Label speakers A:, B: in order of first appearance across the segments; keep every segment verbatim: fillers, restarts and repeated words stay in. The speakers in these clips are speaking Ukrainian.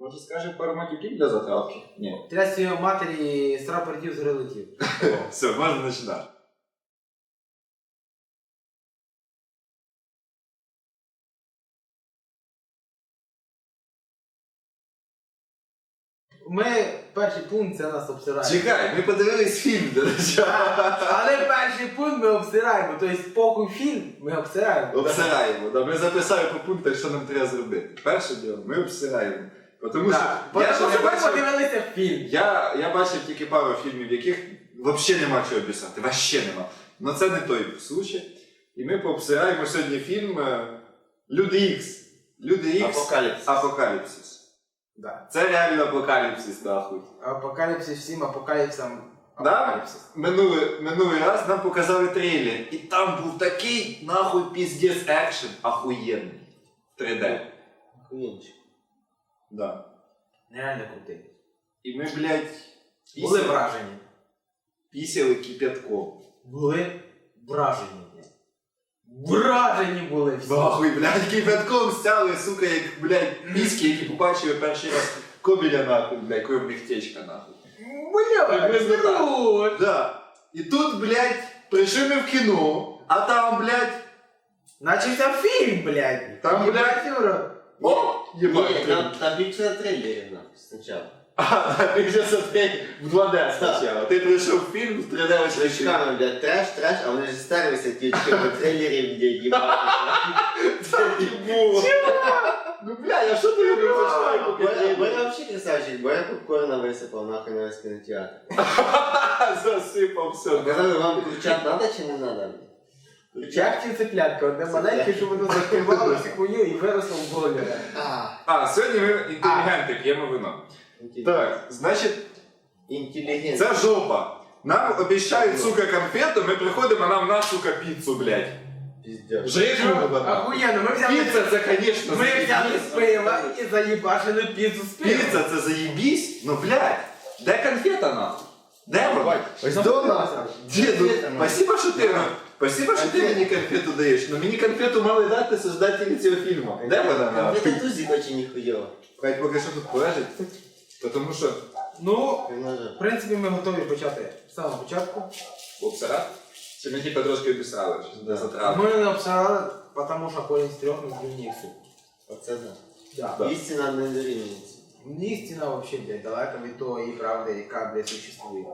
A: Може скажемо пару матюків для затравки? Ні.
B: Тряс його матері, з рапортів зрелетів.
A: Все, можна починати.
B: Ми, перший пункт, це нас обсираємо.
A: Чекай, ми подивились фільм, до речі.
B: Але перший пункт ми обсираємо, тобто похуй фільм ми обсираємо.
A: Обсираємо, да. Ми записали по пунктах, що нам треба зробити. Перше діло, ми обсираємо. Тому що,
B: Бо
A: я,
B: тому
A: ще
B: що
A: не
B: ми
A: бачив,
B: подивилися фільм.
A: я, я бачив тільки пару фільмів, в яких взагалі нема чого обіцяти. Вообще нема. Но це не той случай. І ми пообсираємо сьогодні фільм е, Люди Ікс. Люди Ікс.
C: Апокаліпсис.
A: Апокаліпсис.
B: Да.
A: Це реально апокаліпсис, нахуй.
B: Апокаліпсис всім апокаліпсисам.
A: Да?
B: Апокаліпсис.
A: Минулий, минулий раз нам показали трейлер. І там був такий, нахуй, піздець екшен охуєнний. три дэ.
C: Охуєнчик.
A: Да.
B: Нереально крутий.
A: І ми, блядь,
B: Були
A: пісяли,
B: вражені.
A: пісяли кипятком.
B: Були вражені. Вражені були всі.
A: Нахуй, блядь, кипятком стяли, сука, як, блядь, мізки, які побачили перший раз Кобеля, нахуй, блядь, коли в них течка, нахуй.
B: Бля, круто.
A: Да. І тут, блядь, прийшли ми в кіно, а там, блядь,
B: Начався фільм, блядь.
A: Там, блядь,
B: Юра.
A: о,
C: Ні,
A: єбать.
C: там, там більше на трейлері нахуй спочатку.
A: А, ти вже смотри в два дэ спочатку. Ти прийшов в фільм в три дэ очі.
C: Очками, блядь, треш, треш, а вони ж старилися ті очки по трейлері, де їбати.
A: Ну, бля, я що ти робив за швайку?
C: Бо я взагалі красавчик, бо я попкорна висипав нахуй на весь кінотеатр.
A: Засипав все.
C: Казали, вам кричать надо чи не надо?
B: Як ці цеплятка, одне маленьке, щоб воно закривало всю хуйню і виросло в болі.
A: А, сьогодні ми інтелігенти, п'ємо вино. Так, значить,
C: Інтелігент.
A: це жопа. Нам обіцяють, сука, конфету, ми приходимо, а нам на, сука, піцу, блядь.
C: Піздець.
A: Жирну, блядь.
B: Охуєнно, ми взяли...
A: Піца це, конечно,
B: Ми взяли
A: заєбісь.
B: з пива і заїбашили піцу з пива.
A: Піца це заєбісь? Ну, блядь, де конфета, нахуй? Де вона?
B: Ось
A: До нас. Діду,
C: Конфета, нахуй.
A: спасибо, що ти, спасибо, що ти мені конфету даєш, но мені конфету мали дати создателі цього фільму. Де вона, нахуй?
C: Це тузі очень ніхуйово.
A: Хай поки що тут полежить, тому що...
B: Ну, в принципі, ми готові почати з самого початку.
A: Обсирати? Чи ми типа трошки обісрали, що не затравили?
B: Ми не обсирали, тому що кожен з трьох не зрівнює суд.
C: Оце да.
B: Да.
A: Да.
C: Істина не дорівнюється.
B: Мені стіна вообще, блядь, далека від того і правди, яка, блядь, существує.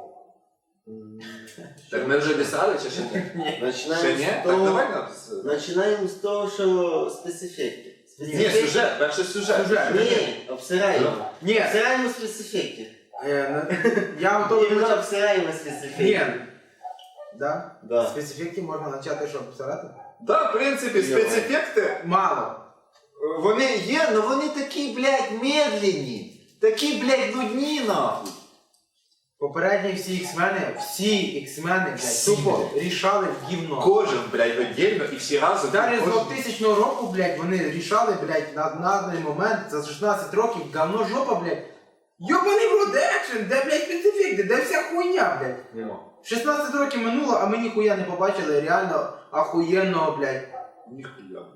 A: Так ми вже обісрали чи ще ні?
B: Ні.
A: Ще
C: Починаємо
A: ні?
C: з
A: Так
C: того,
A: давай нам...
C: починаємо з того, що спецефекти.
A: Ні, сюжет, перший сюжет.
B: Сюжет.
C: Ні, обсираємо.
B: Ні,
C: Обсираємо спецефекти.
B: е, я готовий
C: Іменно
B: почати.
C: обсираємо
B: Ні.
C: спецефекти.
B: Да?
C: Да.
B: Спецефектів можна почати, щоб обсирати?
A: Да, в принципі, спецефекти,
B: Мало.
A: вони є, але вони такі, блядь, медленні. Такі, блядь, нудні, нахуй.
B: Попередні всі іксмени, всі іксмени, блядь,
A: Всі,
B: тупо
A: блядь.
B: рішали в гівно.
A: Кожен, блядь, віддільно і всі разом.
B: Далі з
A: кожен-
B: двохтисячного року, блядь, вони рішали, блядь, на, на даний момент за шістнадцять років говно жопа, блядь. Йобаний в рот екшен, де, блядь, спецефекти, де вся хуйня, блядь.
C: Нема.
B: шістнадцять років минуло, а ми ніхуя не побачили реально охуєнного, блядь.
A: Ніхуя, блядь.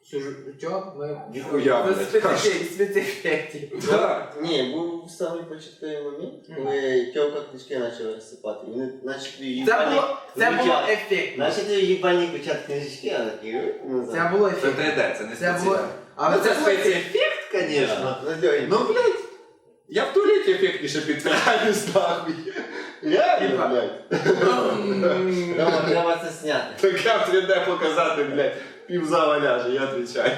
B: Що? Ми...
A: Ніхуя,
B: Без
A: блядь.
B: спецефектів, спецефектів.
A: Да.
C: Ні, був самий початковий момент, коли тьомка книжки почали розсипати. Вони начали її
B: Це було, це було ефектно.
C: Начали їбальні почати книжки, а такі назад.
B: Це було
A: Це
B: ефектно.
A: три дэ, це не
B: Це було...
A: спеціально.
B: Але
A: Ну,
B: це
A: це
B: було ефектно.
A: спецефект, конечно.
C: Надьогінь.
A: Ну, блядь, я в туалеті ефектніше підтираюсь, нахуй. Реально,
C: Типа.
A: блядь.
C: Рома, треба це зняти.
A: Так я в три дэ показати, блядь, півзала ляже, я відповідаю.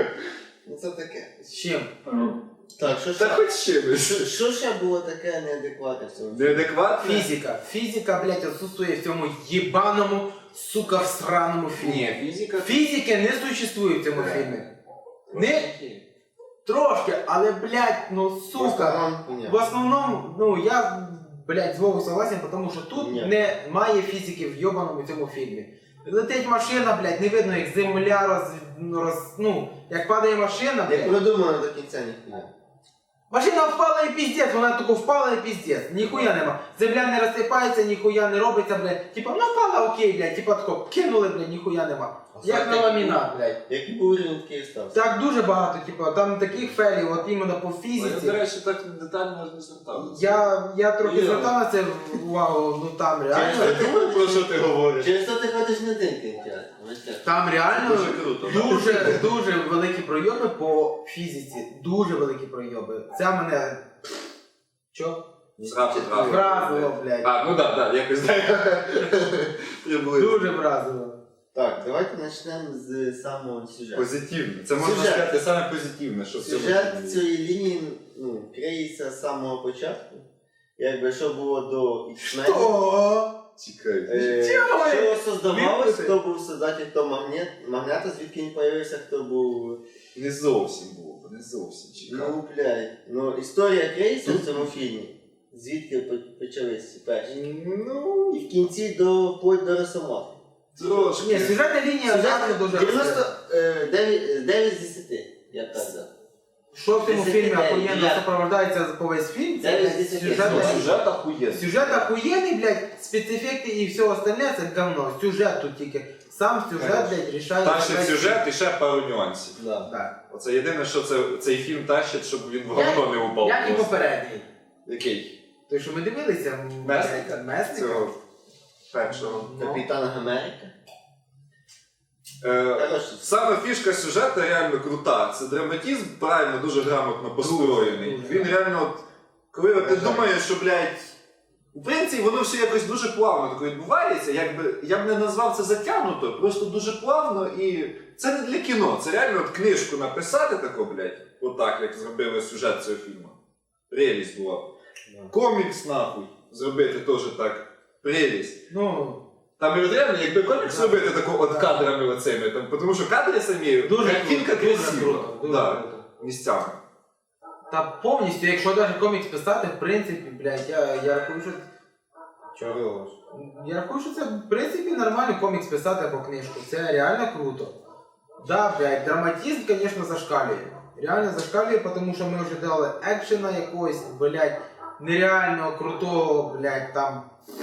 C: Ну це таке.
B: З чим?
C: Так, що
A: Та
C: ще?
A: хоч чимось.
C: Що ще було таке неадекватне в цьому?
A: Неадекватно?
B: Фізика. Фізика, блядь, отсутствує в цьому єбаному, сука, всраному фільмі.
A: Ні, фізика...
B: Фізики не существує в цьому фільмі. Не трошки, але, блядь, ну, сука. В основному, ну, я, блядь, з Вовою согласен, тому що тут
C: Ні.
B: немає фізики в йобаному цьому фільмі. Летить машина, блядь, не видно, як земля роз... ну, роз... ну, як падає машина,
C: Не
B: блядь.
C: продумано до кінця ніхуя.
B: Машина впала і піздець, вона тако впала і піздець. Ніхуя нема. Земля не розсипається, ніхуя не робиться, блядь. Типа, ну впала, окей, блядь. Типа тако кинули, блядь, ніхуя нема. Як на ламінат, блядь.
C: Який був рівень, такий і стався.
B: Так дуже багато, типу, там таких фелів, от іменно по
A: Я, до
B: фізиці.
A: речі, так детально не звертав.
B: Я, я трохи
A: Є.
B: звертав на це увагу, ну там
A: Я
B: реально.
A: думаю, про що ти говориш.
C: Через то ти ходиш на один кінотеатр. ось так.
B: Там реально
A: Дуже круто. да?
B: дуже, дуже великі пройоби по фізиці. Дуже великі пройоби. Це мене. Чо?
A: Зразу, зразу.
B: Вразило, блядь.
A: А, ну так, так, якось так. Я був
B: Дуже вразило.
C: Так, давайте почнемо з самого сюжету.
A: позитивно. Це можна
C: Сюжет.
A: сказати саме позитивне, що в цьому
C: Сюжет
A: фільмі.
C: цієї лінії ну, криється з самого початку. Якби що було до X-Men.
B: О!
A: Цікаво.
C: Е,
B: Чого?
C: Що создавалось,
B: Відпусти.
C: хто був создатель того магнет, магната, звідки він появився, хто був.
A: Не зовсім було, не зовсім цікаво.
C: Ну, блядь. Ну, історія криється в цьому фільмі. Звідки по- почались ці перші.
A: Ну,
C: І в кінці до вплоть до Росомахи.
A: трошки.
B: Ні, сюжетна лінія реально дуже.
C: дев'яносто дев'ять з десяти, я так казав.
B: Що в цьому
C: десять
B: фільмі
C: дев'ять,
B: охуєнно
C: дев'ять.
B: сопровождається по весь фільм, це
C: дев'ять з
B: блядь,
C: десяти.
B: сюжетна
A: Ну,
B: лінія.
A: сюжет охуєнний.
B: Сюжет охуєнний, блядь, спецефекти і все остальне це говно. Сюжет тут тільки. Сам сюжет, блядь, рішає.
A: Тащить сюжет і ще пару нюансів.
C: Да.
B: Так.
A: Оце єдине, що це, цей фільм тащить, щоб він в
B: Як-
A: говно не упав.
B: Як і
A: просто.
B: попередній.
A: Який?
B: Той, що ми дивилися, м,
A: Месника?
B: блядь, Месника.
A: Цього першого.
B: Ну.
C: Капітан Америка.
A: Е,
C: Хороший.
A: Саме фішка сюжету реально крута. Це драматизм правильно, дуже грамотно построєний.
B: Дуже.
A: Він реально, от, коли от ти
C: Вражає.
A: думаєш, що, блядь, в принципі, воно все якось дуже плавно таке відбувається. Якби, я б не назвав це затягнуто, просто дуже плавно і це не для кіно. Це реально от книжку написати таку, блядь, отак, як зробили сюжет цього фільму. Прелість була. Комікс, нахуй, зробити теж так. Прелість.
B: Ну,
A: Там і реально, якби комікс зробити таку от кадрами оцими, там, тому що кадри самі,
B: дуже
A: картинка
B: круто, дуже
A: красива.
B: круто, дуже
A: Да,
B: круто.
A: місцями.
B: Та повністю, якщо навіть комікс писати, в принципі, блядь, я, я рахую, що.
C: Чого?
B: Я рахую, що це в принципі нормально комікс писати або книжку. Це реально круто. Да, блядь, драматизм, звісно, зашкалює. Реально зашкалює, тому що ми вже дали екшена якогось, блядь, нереально крутого, блядь, там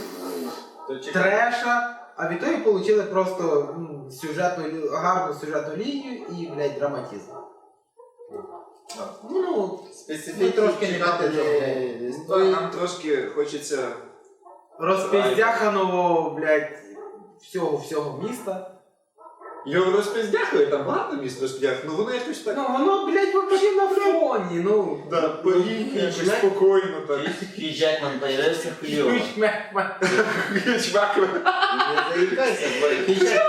B: треша. А в ітогі отримали просто м, сюжетну, лі- гарну сюжетну лінію і, блядь, драматизм.
A: Да.
B: Ну,
C: Специфіки
B: Ми трошки не
C: чекати
B: бачили.
C: не- не
A: Ну,
C: стоїть.
A: нам трошки хочеться.
B: розпіздяханого, блядь, всього, всього міста.
A: Його розпиздяхує, там багато місць розпиздяхує, ну воно якось так.
B: Ну, воно, блядь, вообще на фоні, ну.
A: Да, повільно, якось
C: Чувак.
A: спокійно так.
C: Хью Джекман появився хуйово.
A: Чувак,
C: Не заїкайся, бо Хью Джекман.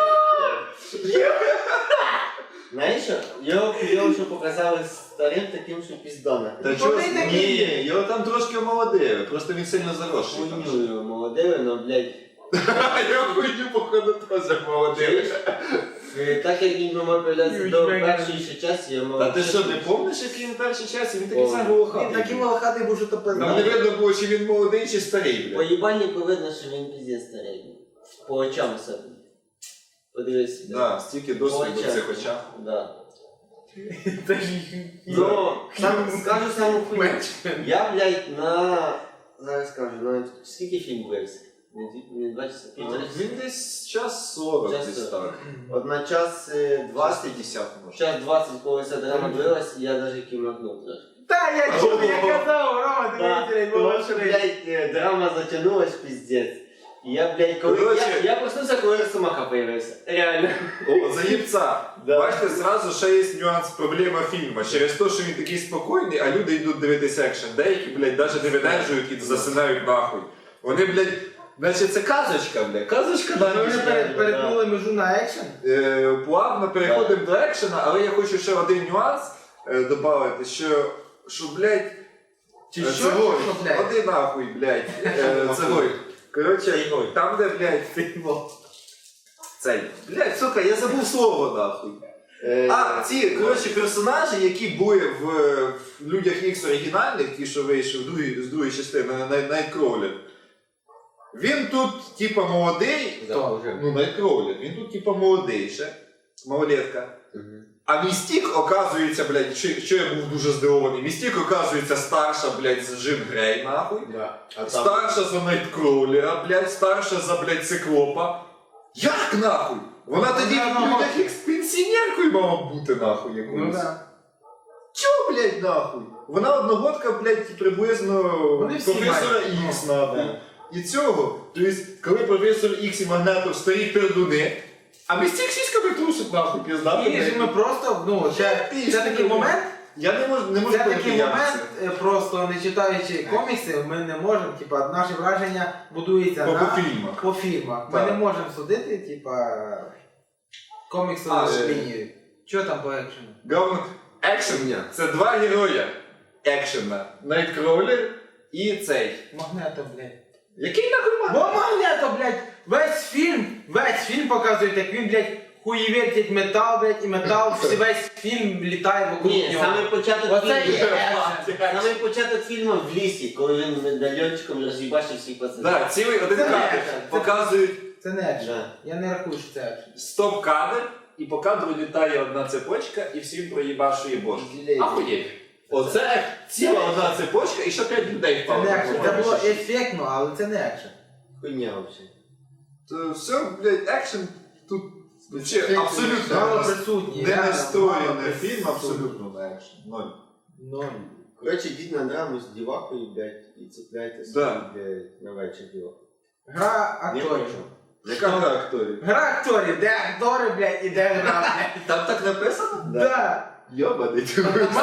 C: Знаєш що? Його хуйово, що показали старим таким, що піздона.
A: та чого? Ні, його там трошки омолодили, просто він сильно заросший. там.
C: Хуйню його молодили, но, блядь.
A: Його хуйню, походу, теж омолодили.
C: Е, Так як він мав появлятися
B: Хью
C: до
B: Джекман.
C: першої ще часу, я мав...
A: Та ти що, не пам'ятаєш, який він перший час? Він такий
C: О.
A: сам
B: Він
A: волохатий.
B: такий волохатий був, що то
A: Нам не
B: пизда.
A: видно було, чи він молодий, чи старий,
C: По
A: блядь.
C: їбальнику видно, що він піздець старий. був. По очам особливо. Подивись.
A: Да, стільки
C: По
A: досвіду в
C: очам.
A: цих очах.
C: Да.
B: Це ж
C: Ну, сам, скажу саму хуйню.
B: Менш.
C: Я, блядь, на... Зараз скажу, на... Скільки фільм вився? Не, дві- не два часа, півтора часа.
A: Він десь час сорок,
C: Час
A: десь
C: сорок.
A: так.
C: От на час е, двадцять,
A: п'ятдесят може.
C: час двадцять, коли ця драма дивилась, я навіть кімнахнув трошки.
B: Та я чув, я казав, Рома, ти
C: Да,
B: блядь,
C: тому
B: була
C: що,
B: шрифт.
C: блядь, е, драма затягнулась піздець. І я, блядь, коли...
A: Короче.
C: Я, я проснувся, коли Росомаха появився. Реально.
A: О, заїбця.
C: Да.
A: Бачите, зразу ще є нюанс, проблема фільму. Через те, що він такий спокійний, а люди йдуть дивитися екшен. Деякі, блядь, навіть не видержують і засинають нахуй. Вони, блядь, значить це казочка, блядь. Казочка на
B: Ми вже
A: ніч.
B: пере- перетнули межу на екшен.
A: Е, Плавно переходимо до екшена, але я хочу ще один нюанс е, додати, що, що, блядь,
B: Чи
A: е,
B: що?
A: цегой,
B: Що, блядь?
A: Оди нахуй, блядь, е, цегой. Коротше, там, де, блядь, цей, блядь, сука, я забув слово, нахуй.
C: Е,
A: А, ці, коротше, персонажі, які були в, в Людях Ікс оригінальних, ті, що вийшли в другій, з другої частини, на Найткроулер. Він тут, типа, молодий,
B: Хто?
A: ну, Найткроулер, він тут, типа, молодий ще, малолетка. А Містік, оказується, блядь, що, що я був дуже здивований, Містік, оказується, старша, блядь, за Джин Грей, нахуй.
C: Да. А там...
A: Старша за Найткроулера, блядь, старша за, блядь, Циклопа. Як нахуй? Вона тоді
B: Вона
A: в
B: одного-
A: людях як з пенсіонеркою мала бути нахуй
B: Ну
A: якоюсь.
B: да.
A: Чого, блядь, нахуй? Вона одногодка, блядь, приблизно
B: Вони всі
A: професора
B: мають.
A: Ікс,
B: Ну,
A: нахуй.
C: да.
A: І цього, тобто, коли професор Ікс і Магнатов старі пердуни, а без цих сіськами трусить нахуй, піздати.
B: І ж ми просто, ну, це,
A: Пізно,
B: це такий
A: блядь.
B: момент,
A: Я не можу, не можу
B: це такий
A: пройти
B: момент, е, просто не читаючи комікси, ми не можемо, типа, наші враження будуються
A: По,
B: на...
A: по фільмах.
B: По фільмах. Ми
A: Так.
B: не можемо судити, типа, коміксову
A: А, е.
B: лінію. Що там по екшену?
A: Говно. Екшен це два героя екшена. Найткроулер і цей.
B: Магнето, блядь.
A: Який нахуй
B: Бо
A: Магнатов?
B: Магнето, блядь, весь фільм, весь фільм показують, як він, блядь, хуєвертить метал, блядь, і метал, всі- весь фільм літає вокруг
C: Ні,
B: нього.
C: саме початок
B: Оце
C: фільму.
B: є екшен.
C: Саме початок фільму в лісі, коли він медальйончиком роз'їбачив всіх пацанів.
A: Да, цілий один
B: Це
A: кадр.
B: екшен.
A: Показують
B: Це не екшен.
C: Да.
B: Я не рахую, що це екшен.
A: стоп-кадр, і по кадру літає одна цепочка, і всім проїбашує бошки.
B: Блядь.
A: Ахуєть. Оце ціла одна цепочка, і ще п'ять людей
B: Це
A: впало.
B: не екшен. Це було ефектно, але це не екшен.
C: Хуйня взагалі.
A: То все, блядь, екшен тут вообще
C: Це-
A: абсолютно
B: Мало
A: не-
B: присутні.
A: не
B: реально,
A: настроєний
B: мало
A: фільм,
B: присутні.
A: абсолютно на екшен. Ноль.
B: Ноль.
C: Коротше, йдіть на драму з дівакою, блядь, і цепляйте собі,
A: Да.
C: блядь, на вечір діваку.
B: Гра
C: Не
B: акторів.
C: хочу.
A: Яка гра акторів?
B: Гра акторів, де актори, блядь, і де гра, блядь.
A: Там так написано?
B: Да.
A: Йобаний ти.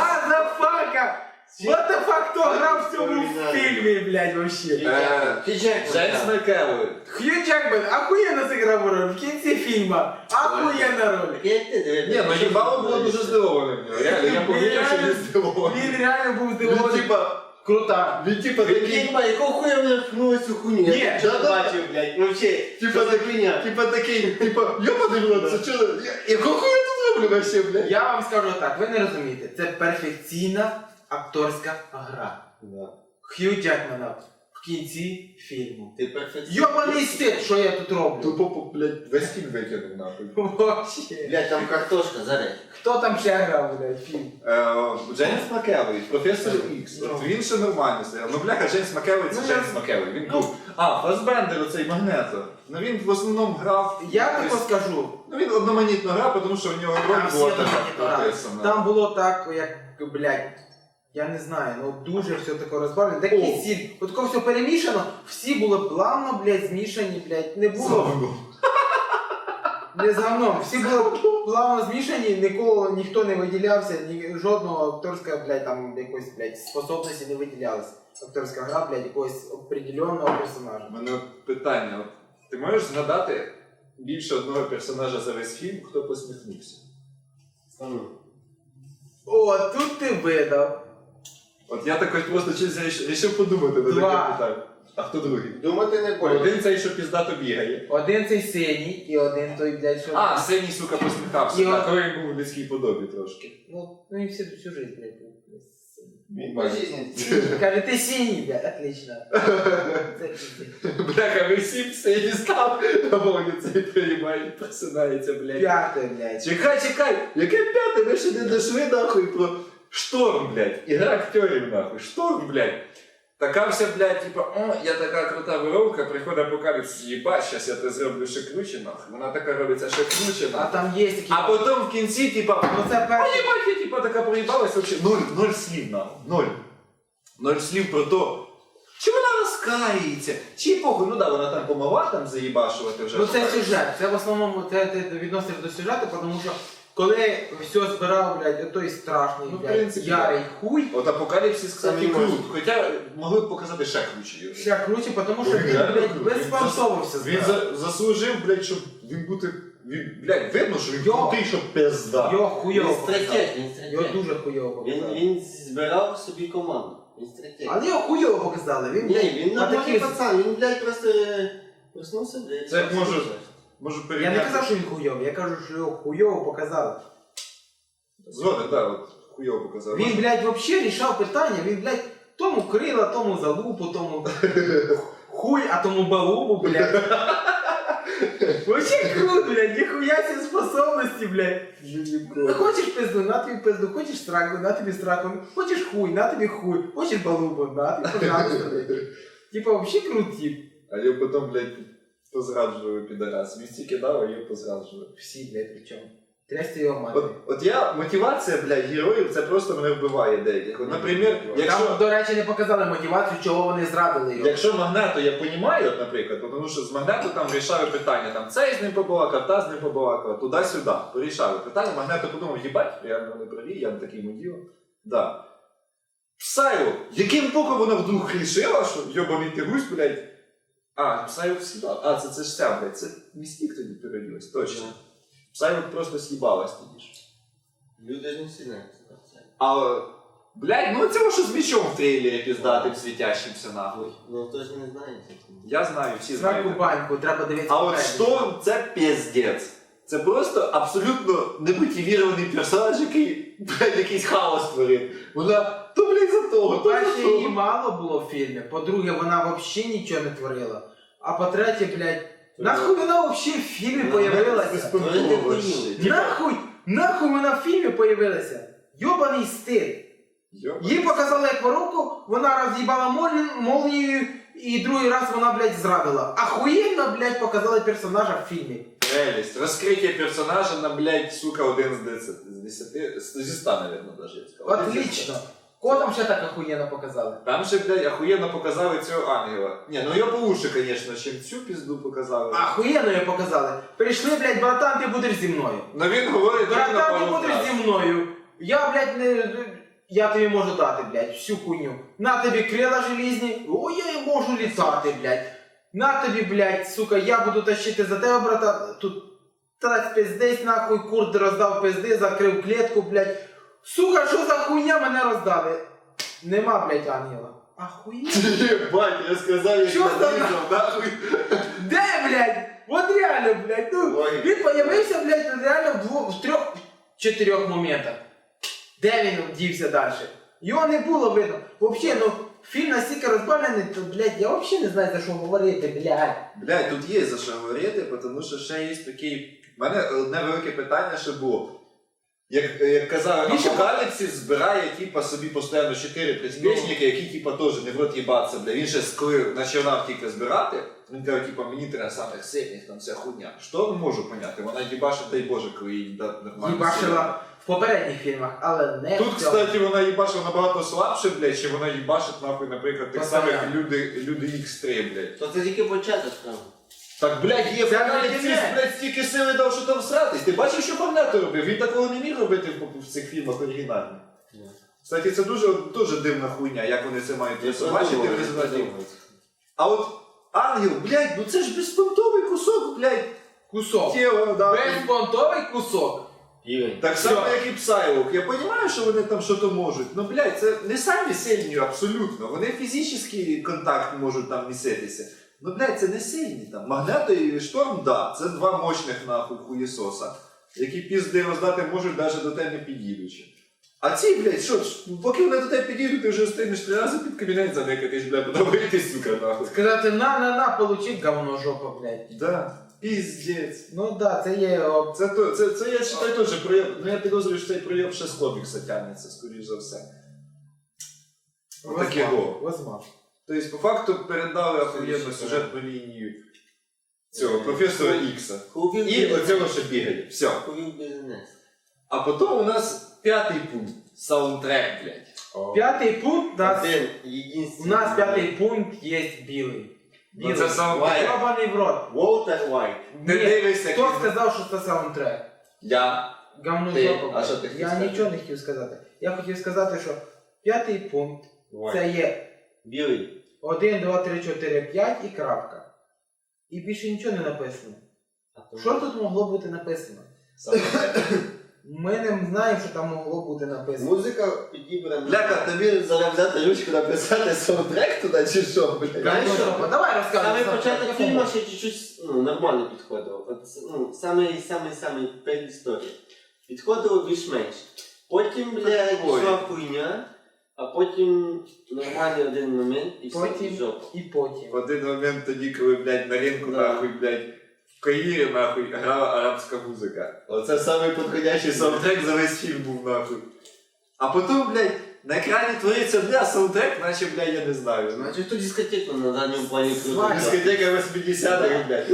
B: Мазафака! What the fuck, хто грав в цьому фільмі, блядь, вообще?
A: Е,
C: Ти Джексон,
A: Джеймс
C: так.
A: Макевой.
B: Хью Джекмен охуєнно зіграв роль в кінці фільму. Охуєнна роль.
C: Як ти дивишся?
A: Ні, ну їбало було дуже здивоване в нього. Реально, я повірив, що він здивований.
B: Він реально був
A: Він
B: здивований.
A: типа,
B: Крута.
A: він типа
C: Він
A: такий,
C: типа, якого хуя мене впхнули цю хуйню?
B: Ні,
C: Я що
A: да-да.
C: бачив, блядь, вообще,
A: Типа
C: що за
A: так-
C: хуйня?
A: типа такий, типа, йобаний в рот, це чого? Я- Якого хуя я тут роблю вообще, блядь?
B: Я вам скажу так, ви не розумієте, це перфекційна акторська гра.
C: Да.
B: Хью Джекмена в кінці фільму.
C: Ти перфекціоніст.
B: Йобаний стиль, що я тут роблю?
A: Тупо, блядь, весь фільм викинув нахуй.
B: Вообще.
C: Блядь, там картошка, зараз.
B: Хто там ще грав, блядь, фільм?
A: Е, Джеймс Макевой, професор Ікс.
B: Ну.
A: От він ще нормально стояв. Ну, бляха, Джеймс Макевой це
B: Ну,
A: Джеймс
B: я-
A: Макевой. Він
B: ну.
A: був. А, Фасбендер, оцей Магнето. Ну він в основному грав.
B: Я
A: якось-
B: тако скажу.
A: Ну він одноманітно грав, тому що в нього роль
B: Там всі
A: була така
B: одноманітно грали.
A: прописана.
B: Там було так, як, блядь, я не знаю, ну дуже все таке розбавлено. Де
A: О.
B: кисіль, от тако все перемішано, всі були плавно, блядь, змішані, блядь, не було.
A: Слава.
B: Не з говном, всі були плавно змішані, нікого, ніхто не виділявся, ні, жодного акторська, блядь, там якоїсь, блядь, способності не виділялася. Акторська гра, блядь, якогось определенного персонажа.
A: У мене питання. От, ти можеш згадати більше одного персонажа за весь фільм, хто посміхнувся?
B: О, тут ти видав.
A: От я так ось просто чись рішив подумати на
B: Два.
A: таке питання. А хто другий?
C: Думати не болить.
A: Один цей, що піздато бігає.
B: Один цей синій і один той, блядь, що...
A: А, синій, сука, посміхався.
B: І
A: Так,
B: от-
A: коли він був у людській подобі трошки.
B: Ну, ну і всю, всю жизнь, блядь, був.
A: Він
C: По
A: має.
C: житті.
B: Каже, ти синій, блядь, отлично. Це пиздец.
A: Бляха, ви всі синій став, а Вовня цей приймає, просинається, блядь.
B: П'яте, блядь.
A: Чекай, чекай, яке п'яте, ви ще не дошли нахуй про шторм, блядь. Ігра актерів нахуй. Шторм, блядь. Така вся, блядь, типа, о, я така крута воровка, приходить апокаліпсис, їбать, щас я те зроблю ще круче, нахуй. Вона така робиться ще круче,
B: А
A: нахуй.
B: там є такі...
A: А потім в кінці, типа,
B: Ну це
A: а
B: перший...
A: їбать, я типа така проїбалась, вообще ноль, ноль слів, нахуй, ноль. Ноль слів про то, чи вона розкається, чи похуй, ну да, вона там помогла там заїбашувати вже.
B: Ну це сюжет, це в основному це ти відносиш до сюжету, тому що коли все збирав, блядь, той страшний,
A: Ну, в
B: блядь,
A: принципі,
B: ярий хуй,
A: От апокаліпсис, кстати,
C: Самі
A: крут,
C: можуть.
A: хоча могли б показати ще круче його.
B: ще круче, тому що
A: Він
B: він,
A: реально
B: блядь,
A: крутий.
B: безпонтовився.
A: Він за, заслужив, блядь, щоб він бути, він, блядь, видно, що він
B: Йо.
A: крутий, що пизда.
B: Його
C: Він
B: хуйово показав.
C: стратег, він
B: Його
C: стратег.
B: дуже хуйово
C: Він,
B: показали.
C: він збирав собі команду. Він стратег.
B: Але його хуйово показали. Він,
C: Ні,
B: блядь,
C: він
B: на
C: нормальний
B: таких-
C: пацан, він, блядь, просто е, проснувся, блядь.
A: Це
C: все
A: може-
C: все.
A: Можу
B: Я
A: порівняти.
B: не казав, що він хуйовий, я кажу, що його хуйово показали.
A: Згоден, да, от хуйово показав.
B: Він, блядь, вообще рішав питання, він, блядь, тому крила, тому залупу, тому хуй, а тому балубу, блядь. Вообще круто, блядь, ніхуя ці способності, блядь. Ну, хочеш пизду, на тобі пизду, хочеш страху, на тобі страху, хочеш хуй, на тобі хуй, хочеш балубу, на тобі, пожалуйста, блядь. Типа, вообще крут тип.
A: А я потім, блядь, Позраджували підарас. Він стільки дав, а його позраджували.
B: Всі, блядь, причому. Трясти його мати.
A: От, от я, мотивація, блядь, героїв, це просто мене вбиває деяких. От, наприклад, якщо...
B: Там, до речі, не показали мотивацію, чого вони зрадили його.
A: Якщо Магнето я розумію, от, наприклад, тому що з Магнето там вирішали питання, там цей з ним побалакав, та з ним побалакав, туди-сюди, порішали питання, Магнето подумав, їбать, реально вони праві, я не такий муділ. Да. Псайло, яким боком вона вдруг рішила, що йобаний ти гусь, блядь. А, Псайло с'їбав. А, це, це ж ця, блядь, це Містік тоді переділась, точно. Псайло просто с'їбалась тоді ж.
C: Люди ж не сильно це.
A: А, блядь, ну це що з мічом в трейлері піздатим світящимся нахуй.
C: Ну хто ж не знає.
A: Я знаю, всі
B: Сраку
A: знають.
B: баньку, треба дивитися.
A: А от
B: попередньо.
A: Шторм це піздець. Це просто абсолютно немотивірований персонаж, який, блядь, якийсь хаос творив. Вона то, блядь, за того, то
B: По-перше,
A: за
B: її
A: того.
B: мало було в фільмі. По-друге, вона взагалі нічого не творила. А по-третє, блядь, нахуй вона взагалі в фільмі появилася?
A: Безпонтово ще.
B: Нахуй, нахуй вона в фільмі появилася? Йобаний стиль.
A: Йоба.
B: Їй показали як воровку, вона роз'їбала молні- молнією, і другий раз вона, блядь, зрадила. Ахуєнно, блядь, показали персонажа в фільмі.
A: Прелість. Розкриття персонажа на, блядь, сука, один з десяти. З десяти, зі ста, наверное, даже я сказав.
B: Отлично. Кого там ще так ахуєнно показали?
A: Там ще, блядь, охуєнно показали цього ангела. Ні, ну його получше, конечно, чим цю пізду показали.
B: Ахуєнно її показали. Прийшли, блядь, братан, ти будеш зі мною.
A: Но він говорить тільки на
B: Братан, ти
A: пару
B: будеш
A: фраз.
B: зі мною. Я, блядь, не... Я тобі можу дати, блядь, всю хуйню. На тобі крила желізні. О, я і можу літати, блядь. На тобі, блядь, сука, я буду тащити за тебе, брата. Тут трать пиздець, нахуй, курт роздав пизди, закрив клітку, блядь. Сука, що за хуйня мене роздали? Нема, блядь, ангела. Ахуєнно.
A: Єбать, я сказав, як
B: Що
A: я
B: за
A: нарізав, нахуй.
B: Де, блядь? От реально, блядь, ну,
A: Ой.
B: він появився, блядь, реально в двох, в трьох, чотирьох моментах. Де він дівся далі? Його не було видно. Взагалі, ну, фільм настільки розбавлений, то, блядь, я взагалі не знаю, за що говорити, блядь.
A: Блядь, тут є за що говорити, тому що ще є такий... У мене одне велике питання ще було. Як, як казав,
B: Більше-
A: Апокаліпсис збирає типа, собі постійно чотири приспішники, які типа, теж не в рот їбаться, бля. Він ще коли починав тільки збирати, він каже, типа, мені треба самих сильних, там вся хуйня. Що не можу поняти? Вона їбашить, дай Боже, коли їй дати нормально.
B: Їбашила в попередніх фільмах, але не
A: Тут,
B: в цьому.
A: кстати, вона їбашила набагато слабше, блядь, чи вона їбашить, нахуй, наприклад, тих
B: Постоянно.
A: самих люди, люди ікс три, блядь.
C: То це тільки початок там.
A: Так, блядь, є
B: Це
A: Апокаліпсис,
B: не кінець.
A: блядь, стільки сили дав, що там сратись. Ти бачив, що Магнето робив? Він такого не міг робити в, в цих фільмах оригінальних. Кстати, це дуже, дуже дивна хуйня, як вони це мають бачити в результаті. А от ангел, блядь, ну це ж безпонтовий кусок, блядь,
B: Кусок.
A: тіла, да.
B: Безпонтовий кусок.
C: Півень.
A: Так само, як і Псайлок. Я розумію, що вони там щось можуть, ну, блядь, це не самі сильні абсолютно. Вони фізичний контакт можуть там міситися. Ну, блядь, це не сильні там. Магнето і Шторм, да, це два мощних нахуй хуєсоса, які пізди роздати можуть навіть до тебе не під'їдучи. А ці, блядь, що ж, поки вони до тебе підійдуть, ти вже встигнеш три рази під кабінет заникатись, блядь, подобається, сука, нахуй.
B: Сказати на, на, на, получить говно жопа, блядь.
A: Да, піздець.
B: Ну да, це є... о,
A: Це, то, це, це я вважаю теж прояв, ну я підозрюю, що цей прояв ще з комікса тягнеться, скоріш за все. Отаке
B: возможно,
A: го.
B: возможно.
A: Тобто, по факту передали охуєнну сюжетну лінію цього професора Ікса.
C: Хувів
A: І оцього ще бігає. Все.
C: Хувів бізнес.
A: А потім у нас п'ятий пункт. Саундтрек, блядь.
B: П'ятий пункт, у нас,
C: Один,
B: у
C: єдинственний.
B: нас п'ятий пункт є білий.
A: Ну, це саундтрек.
B: Йобаний в рот.
C: Волтер Вайт.
A: Ти
B: Ні,
A: дивишся,
B: хто
A: як він-
B: сказав, що це саундтрек?
A: Я.
B: Говно
A: Ти.
B: жопа.
A: А що ти хотів
B: Я
A: сказати?
B: нічого не хотів сказати. Я хотів сказати, що п'ятий пункт це є
C: Білий.
B: один, два, три, чотири, п'ять і крапка. І більше нічого не написано.
C: А то-
B: Що тут могло бути написано?
A: Саундтрек.
B: Ми не знаємо, що там могло бути написано.
C: Музика підібрана.
A: Бляха, тобі зараз взяти ручку написати саундтрек туди чи що, блядь?
C: Знаєш
B: Говно
C: що?
B: жопа. Давай розказуй.
C: Саме
B: сам,
C: початок
B: як
C: фільму
B: воно.
C: ще чуть-чуть ну, нормально підходило. От, ну, самий, самий, самий передісторія. Підходило більш-менш. Потім, бля,
A: Ой.
C: йшла хуйня, а потім нормальний один момент і все,
B: Потім
C: і жопа.
B: і потім.
A: В один момент тоді, коли, блядь, на ринку,
C: Да.
A: нахуй, блядь, в Каїрі, нахуй, грала арабська музика. Оце самий підходящий саундтрек за весь фільм був, нахуй. А потім, блядь, на екрані твориться, бля, саундтрек, наче, бля, я не знаю. Ну,
C: Значить, хто дискотеку на задньому плані круто.
B: Свадьба.
A: дискотека восьмидесятих, блядь.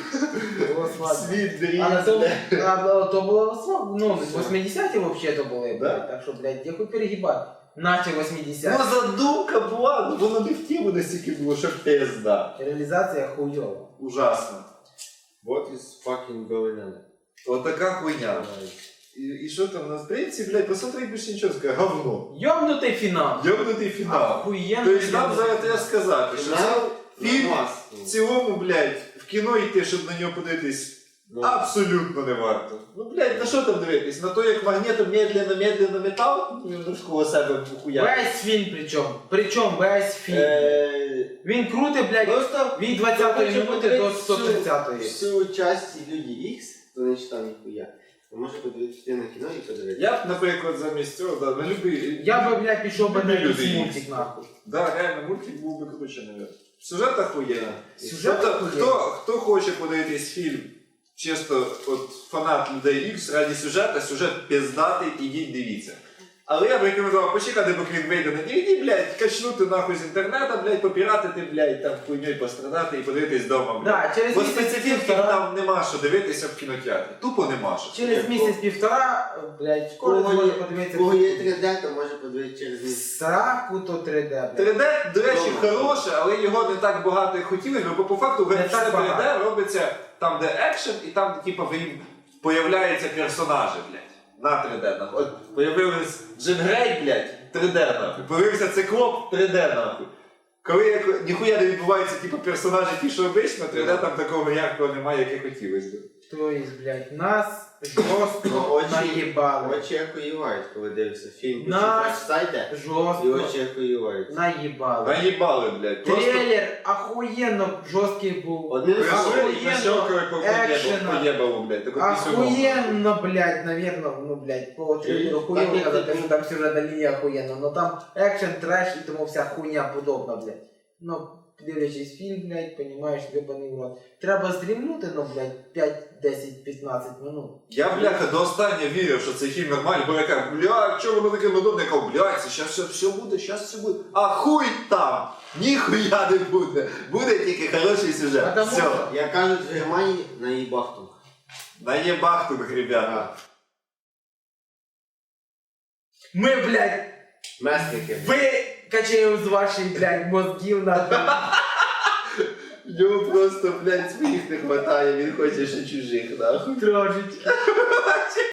B: Було свадьба.
A: Світ, дріт,
B: А на то,
A: бля.
B: а, то було свадьба, ну, восьмидесяті вообще-то були,
A: Да?
B: блядь, так що, блядь, я хоч перегибати. Наче
A: Ну,
B: восьмидесяті.
A: задумка була, ну воно не в тему настільки було, що пизда.
B: Реалізація хуйова.
A: Ужасно.
C: What is fucking going on?
A: От така хуйня. І, і що там на стрільці, блядь, посмотри, більше нічого скаже, говно.
B: Йобнутий фінал.
A: Йобнутий фінал.
B: Охуєнно.
A: Тобто нам зараз треба сказати, що це фільм
C: класний.
A: в цілому, блядь, в кіно йти, щоб на нього подивитись,
C: Ну,
A: абсолютно не варто. Ну, блядь, на що там дивитись? На то, як магнітом медленно-медленно метал, він навколо себе хуя.
B: Весь фільм причому. Причому весь фільм.
C: е,
B: Він крутий, блядь,
C: Просто
B: від двадцятої
C: Хочу
B: минути до
C: подивитися
B: сто тридцятої.
C: всю часть Люди Ікс, хто не читав ніхуя, то може подивитися на кіно і подивитися.
A: Я б, наприклад, замість цього, да, на любий...
B: Я би, блядь, пішов би на
A: Люди
B: якийсь
A: Ікс.
B: мультик нахуй.
A: Да, реально, мультик був би круче, навіть. Сюжет охуєнний.
B: Сюжет
A: Тобто,
B: охуєнний.
A: хто, хто хоче подивитись фільм, чисто от фанат Людей Ікс раді сюжета, сюжет пиздатий, ідіть дивіться. Але я б рекомендував почекати, поки він вийде на ді ві ді, блядь, качнути нахуй з інтернету, блядь, попіратити, блядь, там хуйньою пострадати і подивитись вдома, блядь.
B: Да, через
A: Бо
B: місяць
A: специфіки
B: півтора,
A: там нема що дивитися в кінотеатрі. Тупо нема що.
B: через місяць півтора, блядь, кожен
C: Кого
B: зможе
C: є-
B: подивитися.
C: Кого є три де, то може подивитися через місяць.
B: Сраку то три де, блядь.
A: три де, до речі,
C: Добре.
A: хороше, але його не так багато як хотілося, бо по факту
B: Не
A: все
B: так
A: три де
B: багато.
A: робиться там, де екшен, і там, де типу, в їм появляються персонажі, блядь. На три де, нахуй. От появилась Джин Грей, блядь, три де, нахуй. Появився Циклоп, три де, нахуй. Коли як, ніхуя не відбувається, типу, персонажі ті, що обично, три де там такого яркого немає, як і хотілося б.
B: Тобто, блядь, нас жорстко
C: Ну, очі-
B: наїбали.
C: Очі охуєвають, коли дивишся фільм.
B: На-
C: Почитаєш сайти, і
B: Жорстко
C: очі охуєвають.
B: наїбали.
A: Наїбали, блядь. Просто
B: Трейлер охуєнно жорсткий був.
C: Одним словом,
B: Охуєнно,
A: защелкали по
B: екшена.
A: поєбалу, блядь. таку пісюну.
B: Охуєнно, блядь, наверно, ну, блядь, по трейлеру
C: Так,
B: хуєво
C: як
B: казати,
C: ти-
B: що там сюжетна лінія охуєнна, но там екшен, треш і тому вся хуйня подобна, блядь. Ну, дивлячись фільм, блядь, понімаєш, вибаний в рот. Треба стрімнути, ну, блядь, п'ять, десять, п'ятнадцять минут.
A: Я, бляха, до останнього вірив, що цей фільм нормальний, бо я кажу, бля, чого воно таке нудне? Я кажу, блядь, це щас все, все буде, щас все буде. А хуй там! Ніхуя не буде. Буде тільки хороший сюжет.
B: Потому
A: Все.
B: що-
C: як кажуть в Германії, на їбахтунг.
A: Наєбахтунг, ребята.
B: Ми, блядь,
C: Месники.
B: викачаємо з ваших, блядь, мозгів на
A: В нього просто, блядь, своїх не хватає, він хоче ще чужих, нахуй.
B: трошечки.